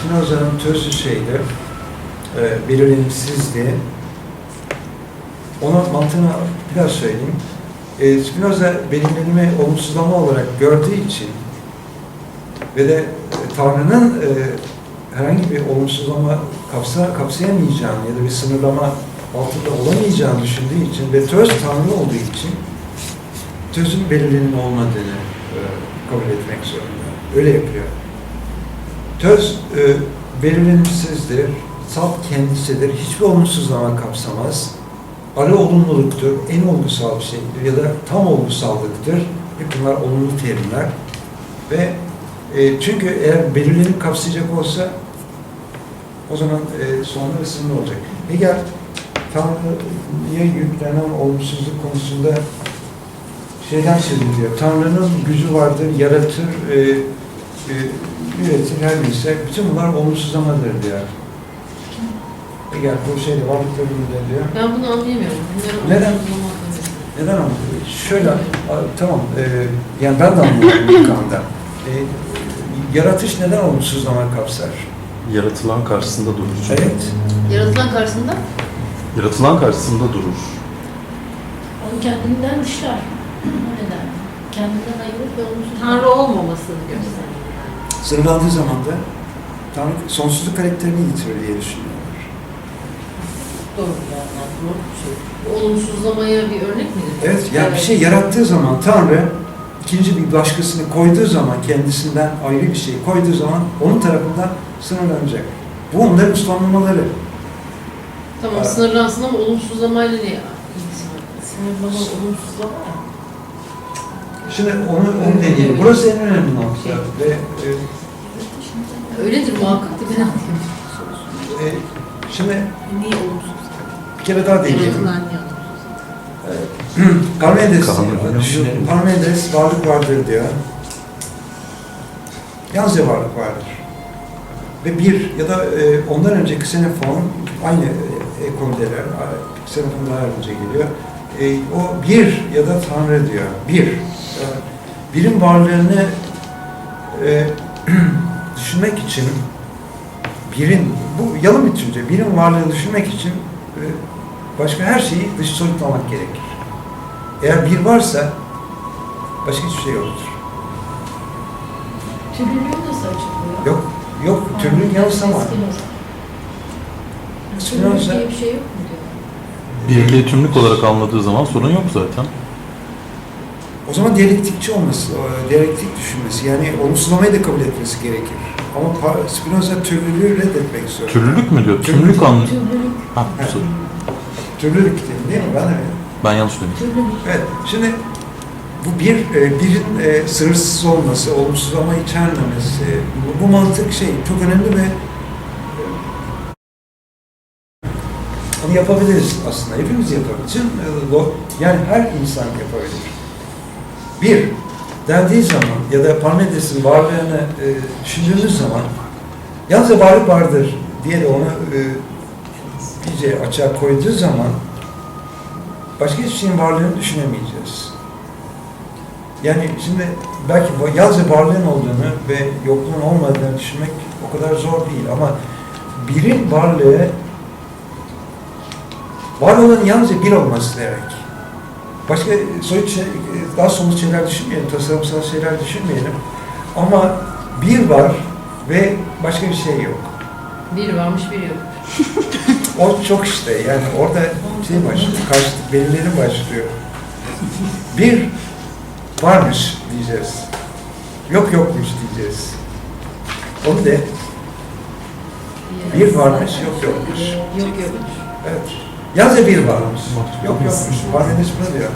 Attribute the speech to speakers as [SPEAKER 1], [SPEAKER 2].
[SPEAKER 1] Spinoza'nın tözü şeydi, belirlenimsizdi. Onun mantığını biraz söyleyeyim. Spinoza belirlenimi olumsuzlama olarak gördüğü için ve de Tanrı'nın herhangi bir olumsuzlama kapsayamayacağını ya da bir sınırlama altında olamayacağını düşündüğü için ve töz Tanrı olduğu için tözün belirlenimi olmadığını kabul etmek zorunda. Öyle yapıyor. Töz belirlenimsizdir, salt kendisidir, hiçbir olumsuzlama kapsamaz. Arı olumluluktur, en olgusal bir şeydir ya da tam olgusallıktır. Hep bunlar olumlu terimler. Ve çünkü eğer belirlenip kapsayacak olsa o zaman sonları sınırlı olacak. Hegel Tanrı'ya yüklenen olumsuzluk konusunda şeyden söz ediyor. Tanrı'nın gücü vardır, yaratır, üretir, her neyse. Bütün bunlar olumsuzlamadır diyor. Hegel bu şeyde varlık bölümünde diyor.
[SPEAKER 2] Ben bunu anlayamıyorum.
[SPEAKER 1] Neden? Neden anlamıyorum? Şöyle, tamam, yani ben de anlıyorum ilk anda. Yaratış neden olumsuzlama kapsar?
[SPEAKER 3] Yaratılan karşısında durur. Çünkü.
[SPEAKER 1] Evet.
[SPEAKER 2] Yaratılan karşısında?
[SPEAKER 3] Yaratılan karşısında durur.
[SPEAKER 4] Onu kendinden dışlar. Neden? Kendinden ayırıp ve olumsuz.
[SPEAKER 2] Tanrı olmamasını gösteriyor.
[SPEAKER 1] Sınırlandığı zaman da Tanrı sonsuzluk karakterini yitirir diye düşünüyorlar.
[SPEAKER 2] Doğru yani. Doğru bir şey. Olumsuzlamaya bir örnek midir?
[SPEAKER 1] Evet, yani bir şey yarattığı zaman Tanrı ikinci bir başkasını koyduğu zaman, kendisinden ayrı bir şey koyduğu zaman onun tarafından sınırlanacak. Bu onların uslanmaları.
[SPEAKER 2] Tamam, sınırlansın ama olumsuzlamayla ne ilgisi var?
[SPEAKER 4] Sınırlama, olumsuzlama ya.
[SPEAKER 1] Şimdi onu deneyelim. Burası en önemli nokta. Ve
[SPEAKER 2] Öyledir muhakkak da ben anlayayım.
[SPEAKER 1] şimdi
[SPEAKER 4] Niye olumsuz?
[SPEAKER 1] bir kere daha deneyelim.
[SPEAKER 4] Yaratılan niye olumsuz?
[SPEAKER 1] Parmenides düşünelim. Parmenides varlık vardır diyor. Yalnızca varlık vardır. Ve bir ya da ondan önceki Xenofon aynı ekoldeler. Xenofon daha önce geliyor. O bir ya da Tanrı diyor. Birin varlığını düşünmek için bu yalın bir düşünce. Birin varlığını düşünmek için başka her şeyi dış soyutlamak gerekir. Eğer bir varsa başka hiçbir şey yoktur.
[SPEAKER 4] Türlülüğü nasıl açıklıyor?
[SPEAKER 1] Yok. Türlülük yanılsama.
[SPEAKER 4] Türlülük diye bir şey yok mu diyor?
[SPEAKER 3] Birliği tümlük olarak anladığı zaman sorun yok zaten.
[SPEAKER 1] O zaman diyalektikçi olması, diyalektik düşünmesi, yani olumsuzlamayı da kabul etmesi gerekir. Ama Spinoza türlülüğü reddetmek istiyor.
[SPEAKER 3] Türlülük mü diyor?
[SPEAKER 1] Türlülük.
[SPEAKER 3] Tümlük anlıyor.
[SPEAKER 4] Türlülük.
[SPEAKER 3] Ha,
[SPEAKER 1] Evet.
[SPEAKER 3] sorry.
[SPEAKER 1] Türlülük değil mi?
[SPEAKER 3] Ben yanlış dedim.
[SPEAKER 4] Türlülük.
[SPEAKER 1] Evet. Şimdi bu birin sınırsız olması, olumsuzlama içermemesi, bu mantık çok önemli ve onu yapabiliriz aslında. Hepimiz yapabiliriz. Yani her insan yapabilir. Bir, dendiği zaman ya da Parmenides'in varlığını düşündüğümüz zaman yalnızca varlık vardır diye de onu iyice açığa koyduğu zaman başka hiçbir şeyin varlığını düşünemeyeceğiz. Yani şimdi belki yalnızca varlığın olduğunu ve yokluğun olmadığını düşünmek o kadar zor değil ama birin varlığı var olanın yalnızca bir olması demek. Başka soyut daha somut şeyler düşünmeyelim, tasarımsal şeyler düşünmeyelim. Ama bir var ve başka bir şey yok.
[SPEAKER 2] Bir varmış, bir yok.
[SPEAKER 1] O çok işte, yani orada şey başlıyor, karşılık belirlerim başlıyor. Bir varmış diyeceğiz. Yokmuş diyeceğiz. Onu de. Bir varmış, yokmuş.
[SPEAKER 2] Yok.
[SPEAKER 1] Evet. Yalnızca bir varmış. Yokmuş. Parmenides bunu diyor.